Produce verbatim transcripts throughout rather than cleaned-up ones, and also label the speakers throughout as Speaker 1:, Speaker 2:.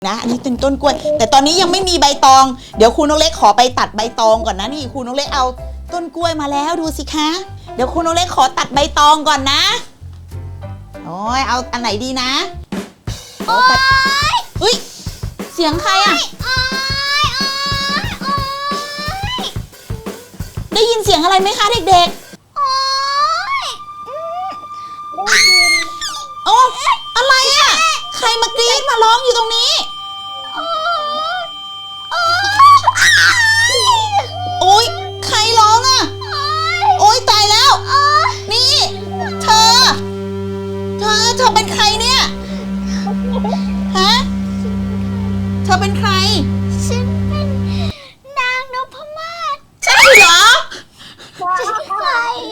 Speaker 1: นะอันนี้เป็นต้นกล้วยแต่ตอนนี้ยังไม่มีใบตองเดี๋ยวครูนกเล็กขอไปตัดใบตองก่อนนะนี่ครูนกเล็กเอาต้นกล้วยมาแล้วดูสิคะเดี๋ยวครูนกเล็กขอตัดใบตองก่อนนะโอ้ยเอาอันไหนดีนะโอ้ยเฮ้ยเสียงใครอะได้ยินเสียงอะไรไหมคะเด็กๆโอ้อะไรอะใครมากรี๊ดมาร้องอยู่ตรงนี้โอ๊ยใครร้องอ่ะโอ๊ยตายแล้วนี่เธอเธอเธอเป็นใครเนี่ยฮะเธอเป็นใคร
Speaker 2: ฉันเป็นนางนพมาศ
Speaker 1: ใช่เหรอ
Speaker 2: ฉันใคร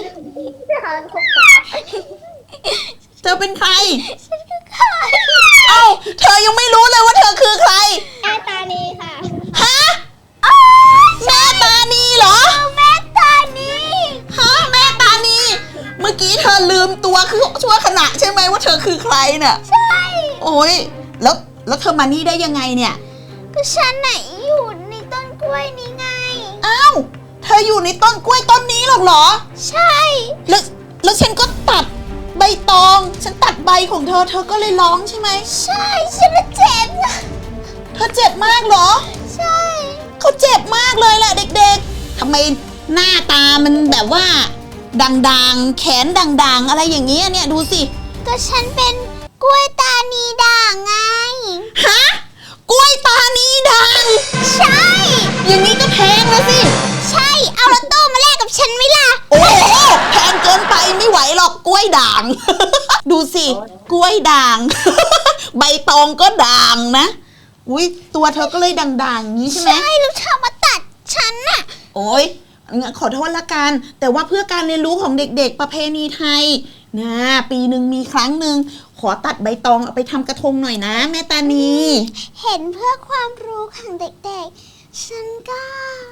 Speaker 1: เธอเป็นใคร
Speaker 2: ฉันคือใคร
Speaker 1: เอ้าเธอยังไม่รู้เลยว่าเธอคือใคร
Speaker 2: แม่ตานีค่ะ
Speaker 1: ฮะแม่ตานีเหรอ
Speaker 2: แม่ตานี
Speaker 1: ฮะแม่ตานีเมื่อกี้เธอลืมตัวคือชั่วขณะใช่ไหมว่าเธอคือใครเนี่ย
Speaker 2: ใช่
Speaker 1: โอ้ยแล้วแล้วเธอมานี่ได้ยังไงเนี่ย
Speaker 2: ก็ฉันน่ะอยู่ในต้นกล้วยนี้ไง
Speaker 1: อ้าวเธออยู่ในต้นกล้วยต้นนี้หรอกเหรอ
Speaker 2: ใช่
Speaker 1: แล้วแล้วฉันก็ตัดใบตองฉันตัดใบของเธอเธอก็เลยร้องใช่ไหม
Speaker 2: ใช่ฉันเจ็บ
Speaker 1: เธอเจ็บมากเหรอ
Speaker 2: ใช่
Speaker 1: เขาเจ็บมากเลยแหละเด็กๆทำไมหน้าตามันแบบว่าด่างๆแขนด่างๆอะไรอย่างเงี้ยเนี่ยดูสิ
Speaker 2: ก็ฉันเป็นกล้วยตานีด่างไง
Speaker 1: ฮะกล้วยตานีด่าง
Speaker 2: ใช่
Speaker 1: อย่างนี้ก็แพงแล้วสิ
Speaker 2: ใช่เอารถตู้มาแลกกับฉันไหมล่ะ
Speaker 1: โอ้โหแพงเกินไปไม่ไหวหรอกกล้วยด่าง ดูสิกล้วยด่าง ใบตองก็ด่างนะอุ้ยตัวเธอก็เลยด่างๆอย่างนี้ใช่ไหม
Speaker 2: ใช่แล้วเธอมาตัดฉันน่ะ
Speaker 1: โอ้ยขอโทษละกันแต่ว่าเพื่อการเรียนรู้ของเด็กๆประเพณีไทยนะปีหนึ่งมีครั้งหนึ่งขอตัดใบตองเอาไปทำกระทงหน่อยนะแม่ตานี
Speaker 2: เห็นเพื่อความรู้ของเด็กๆฉันก็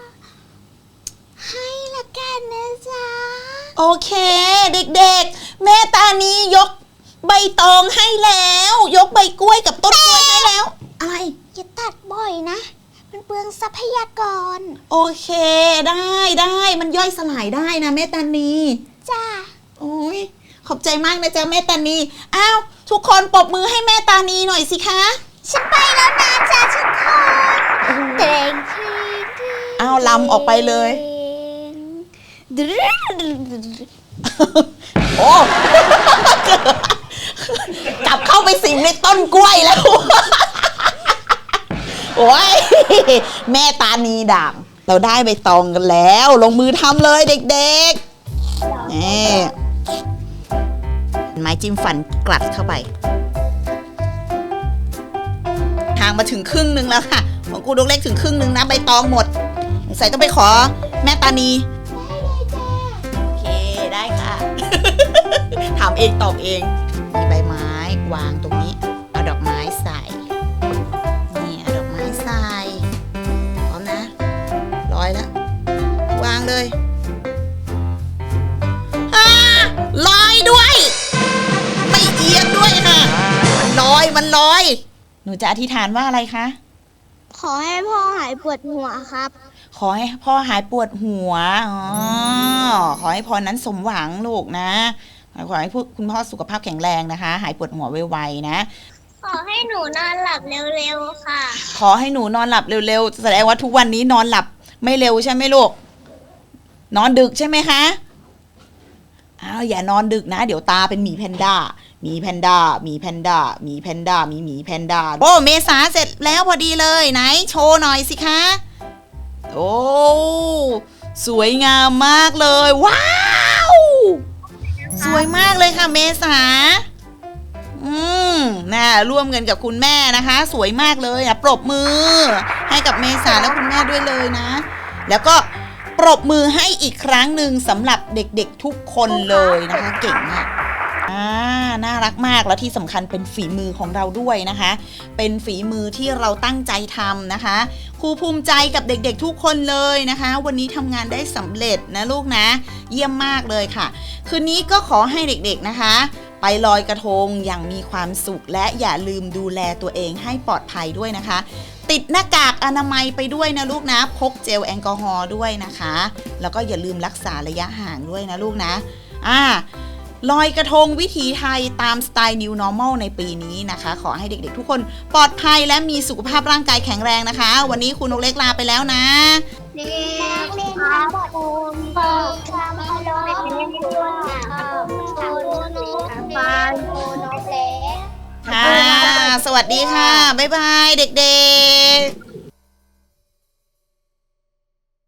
Speaker 2: ให้ละกันนะจ๊ะ
Speaker 1: โอเคเด็กๆแม่ตานียกใบตองให้แล้วยกใบกล้วยกับต้นกล้วยให้แล้วอะไร
Speaker 2: อย่าตัดบ่อยนะมันเปลืองทรัพยากร
Speaker 1: โอเคได้ได้มันย่อยสลายได้นะแม่ตานี
Speaker 2: จ้า
Speaker 1: โอ้ยขอบใจมากนะจ๊ะแม่ตานีอ้าวทุกคนปรบมือให้แม่ตานีหน่อยสิคะ
Speaker 2: ฉันไปแล้วนะจ๊ะทุกคนเด้ง
Speaker 1: อ้าวลำออกไปเลยโอ้กลับเข้าไปสิงในต้นกล้วยแล้วโอ้ยแม่ตานีด่างเราได้ใบตองกันแล้วลงมือทำเลยเด็กๆนี่ไม้จิ้มฟันกลัดเข้าไปทางมาถึงครึ่งนึงแล้วค่ะของกูดกเล็กถึงครึ่งนึงนะใบตองหมดใส่ต้องไปขอแม่ตานีโอเคได้ค่ะถามเองตอบเองมีใบไม้วางตรงนี้เอาดอกไม้ใส่นี่เอาดอกไม้ใส่พร้อมนะร้อยแล้ววางเลยลอยด้วยไม่เอียงด้วยค่ะมันลอยมันลอยหนูจะอธิษฐานว่าอะไรคะ
Speaker 2: ขอให้พ่อหายปวดหัวครับ
Speaker 1: ขอให้พ่อหายปวดหัวอ๋อขอให้พรนั้นสมหวังลูกนะขอให้คุณพ่อสุขภาพแข็งแรงนะคะหายปวดหัวไวๆนะ
Speaker 2: ขอให้หนูนอนหลับเร็วๆค่ะ
Speaker 1: ขอให้หนูนอนหลับเร็วๆแสดงว่าทุกวันนี้นอนหลับไม่เร็วใช่ไหมลูกนอนดึกใช่ไหมคะอ้าวอย่านอนดึกนะเดี๋ยวตาเป็นหมีแพนด้าหมีแพนด้าหมีแพนด้าหมีแพนด้ามีหมีแพนด้าโอ้เมษาเสร็จแล้วพอดีเลยไหนโชว์หน่อยสิคะโอ้สวยงามมากเลยว้าวสวยมากเลยค่ะเมษาอืมน่าร่วมกันกับคุณแม่นะคะสวยมากเลยอ่ะปรบมือให้กับเมษาและคุณแม่ด้วยเลยนะแล้วก็ปรบมือให้อีกครั้งหนึ่งสำหรับเด็กๆทุกคนเลยนะคะเก่งมากอ่าน่ารักมากแล้วที่สำคัญเป็นฝีมือของเราด้วยนะคะเป็นฝีมือที่เราตั้งใจทำนะคะครูภูมิใจกับเด็กๆทุกคนเลยนะคะวันนี้ทำงานได้สำเร็จนะลูกนะเยี่ยมมากเลยค่ะคืนนี้ก็ขอให้เด็กๆนะคะไปลอยกระทงอย่างมีความสุขและอย่าลืมดูแลตัวเองให้ปลอดภัยด้วยนะคะ ติดหน้ากากอนามัยไปด้วยนะลูกนะพกเจลแอลกอฮอล์ด้วยนะคะแล้วก็อย่าลืมรักษาระยะห่างด้วยนะลูกนะอ่าลอยกระทงวิถีไทยตามสไตล์ New Normal ในปีนี้นะคะขอให้เด็กๆทุกคนปลอดภัยและมีสุขภาพร่างกายแข็งแรงนะคะวันนี้คุณนกเล็กลาไปแล้วนะ
Speaker 2: เรียนเรียนทั้งหมดเปิดคำพลเป็นเรียนด้วยค่ะขอบคุณนกเล็กนกเล็ก
Speaker 1: ค่ะสวัสดีค่ะบ๊ายบายเด็กๆ